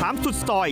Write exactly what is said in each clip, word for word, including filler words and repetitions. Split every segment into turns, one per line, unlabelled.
ามสุดซอย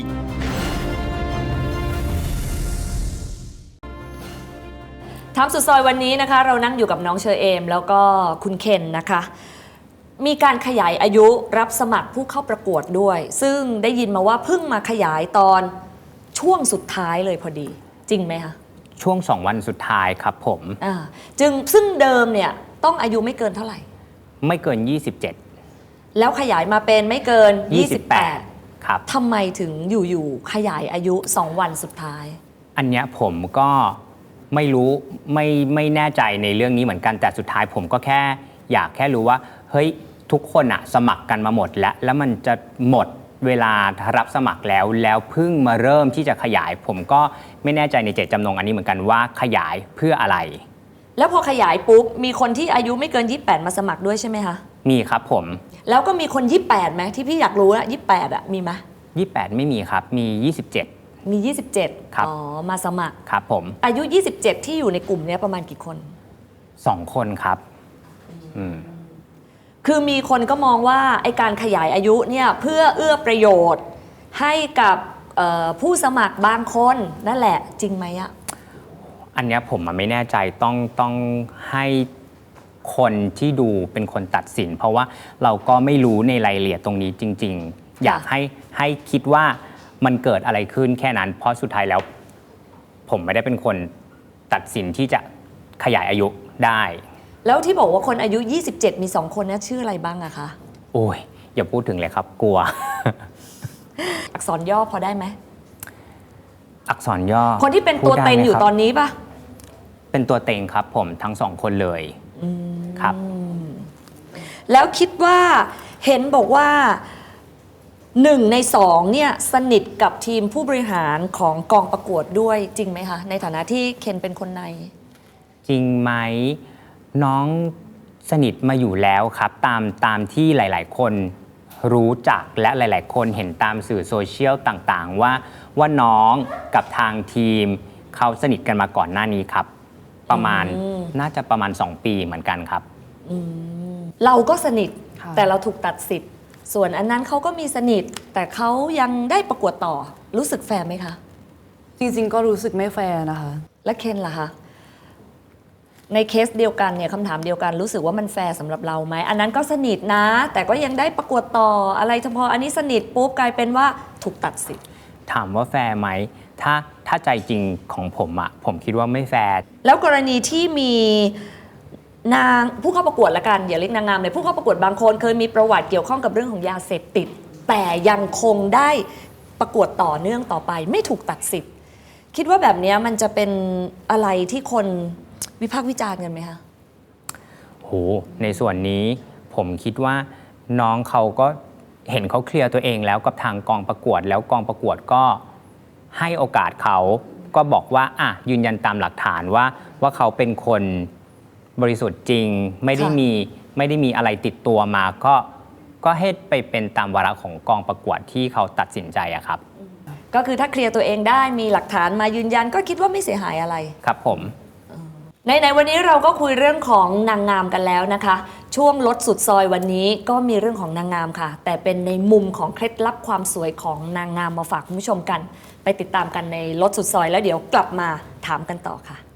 ถามสุดซอยวันนี้นะคะเรานั่งอยู่กับน้องเชอเอมแล้วก็คุณเคนนะคะมีการขยายอายุรับสมัครผู้เข้าประกวดด้วยซึ่งได้ยินมาว่าเพิ่งมาขยายตอนช่วงสุดท้ายเลยพอดีจริงไหมคะ
ช่วงสองวันสุดท้ายครับผม
อ่าจึงซึ่งเดิมเนี่ยต้องอายุไม่เกินเท่าไหร่
ไม่เกินยี่สิบเจ็ด
แล้วขยายมาเป็นไม่เกินยี่สิบแปด
ครับ
ทำไมถึงอยู่ๆขยายอายุสองวันสุดท้าย
อันเนี้ยผมก็ไม่รู้ไม่ไม่แน่ใจในเรื่องนี้เหมือนกันแต่สุดท้ายผมก็แค่อยากแค่รู้ว่าเฮ้ยทุกคนอะสมัครกันมาหมดแล้วแล้วมันจะหมดเวลารับสมัครแล้วแล้วเพิ่งมาเริ่มที่จะขยายผมก็ไม่แน่ใจในเจตจำนงอันนี้เหมือนกันว่าขยายเพื่ออะไร
แล้วพอขยายปุ๊บมีคนที่อายุไม่เกินยี่สิบแปดมาสมัครด้วยใช่ไหมคะ
มีครับผม
แล้วก็มีคนยี่สิบแปดไหมที่พี่อยากรู้นะยี่สิบแปดอะมีไหม
ยี่สิบแปดไม่มีครับมียี่สิบเจ็ด
มียี่สิบเจ็ด
ครับ
อ๋อมาสมัคร
ครับผม
อายุยี่สิบเจ็ดที่อยู่ในกลุ่มนี้ประมาณกี่คน
สองคนครับอืม
คือมีคนก็มองว่าไอการขยายอายุเนี่ยเพื่อเอื้อประโยชน์ให้กับผู้สมัครบางคนนั่นแหละจริงไหมอะ
อันนี้ผมไม่แน่ใจต้องต้องให้คนที่ดูเป็นคนตัดสินเพราะว่าเราก็ไม่รู้ในรายละเอียดตรงนี้จริงๆอยากให้ให้คิดว่ามันเกิดอะไรขึ้นแค่นั้นเพราะสุดท้ายแล้วผมไม่ได้เป็นคนตัดสินที่จะขยายอายุได้
แล้วที่บอกว่าคนอายุยี่สิบเจ็ดมีสองคนนะชื่ออะไรบ้างอะคะ
โอ้ยอย่าพูดถึงเลยครับกลัว
อักษรย่อพอได้ไหม
อักษรย่อ
คนที่เป็นตัวเต็งอยู่ตอนนี้ปะ
เป็นตัวเต็งครับผมทั้งสองคนเลยครับ
แล้วคิดว่าเห็นบอกว่าหนึ่งในสองเนี่ยสนิทกับทีมผู้บริหารของกองประกวดด้วยจริงไหมคะในฐานะที่เคนเป็นคนใน
จริงไหมน้องสนิทมาอยู่แล้วครับตามตามที่หลายๆคนรู้จักและหลายๆคนเห็นตามสื่อโซเชียลต่างๆว่าว่าน้องกับทางทีมเขาสนิทกันมาก่อนหน้านี้ครับประมาณน่าจะประมาณสองปีเหมือนกันครับ
เราก็สนิทแต่เราถูกตัดสิทธิ์ส่วนอันนั้นเขาก็มีสนิทแต่เขายังได้ประกวดต่อรู้สึกแฟร์ไหมคะ
จริงๆก็รู้สึกไม่แฟร์นะคะ
และเคนล่ะคะในเคสเดียวกันเนี่ยคำถามเดียวกันรู้สึกว่ามันแฟร์สำหรับเราไหมอันนั้นก็สนิทนะแต่ก็ยังได้ประกวดต่ออะไรเฉพาะอันนี้สนิทปุ๊บกลายเป็นว่าถูกตัดสิทธิ์
ถามว่าแฟร์ไหมถ้าถ้าใจจริงของผมอะผมคิดว่าไม่แฟร์
แล้วกรณีที่มีนางผู้เข้าประกวดละกันอย่าเรียกนางงามเลยผู้เข้าประกวดบางคนเคยมีประวัติเกี่ยวข้องกับเรื่องของยาเสพติดแต่ยังคงได้ประกวดต่อเนื่องต่อไปไม่ถูกตัดสิทธิ์คิดว่าแบบนี้มันจะเป็นอะไรที่คนวิพากษ์วิจารณ์กันไหมคะ
โหในส่วนนี้ผมคิดว่าน้องเขาก็เห็นเขาเคลียร์ตัวเองแล้วกับทางกองประกวดแล้วกองประกวดก็ให้โอกาสเขาก็บอกว่าอ่ะยืนยันตามหลักฐานว่าว่าเขาเป็นคนบริสุทธิ์จริงไม่ได้มีไม่ได้มีอะไรติดตัวมาก็ก็ให้ไปเป็นตามวาระของกองประกวดที่เขาตัดสินใจอะครับ
ก็คือถ้าเคลียร์ตัวเองได้มีหลักฐานมายืนยันก็คิดว่าไม่เสียหายอะไร
ครับผม
ในในวันนี้เราก็คุยเรื่องของนางงามกันแล้วนะคะช่วงลดสุดซอยวันนี้ก็มีเรื่องของนางงามค่ะแต่เป็นในมุมของเคล็ดลับความสวยของนางงามมาฝากคุณผู้ชมกันไปติดตามกันในลดสุดซอยแล้วเดี๋ยวกลับมาถามกันต่อค่ะ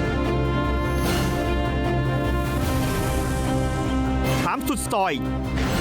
ถามสุดซอย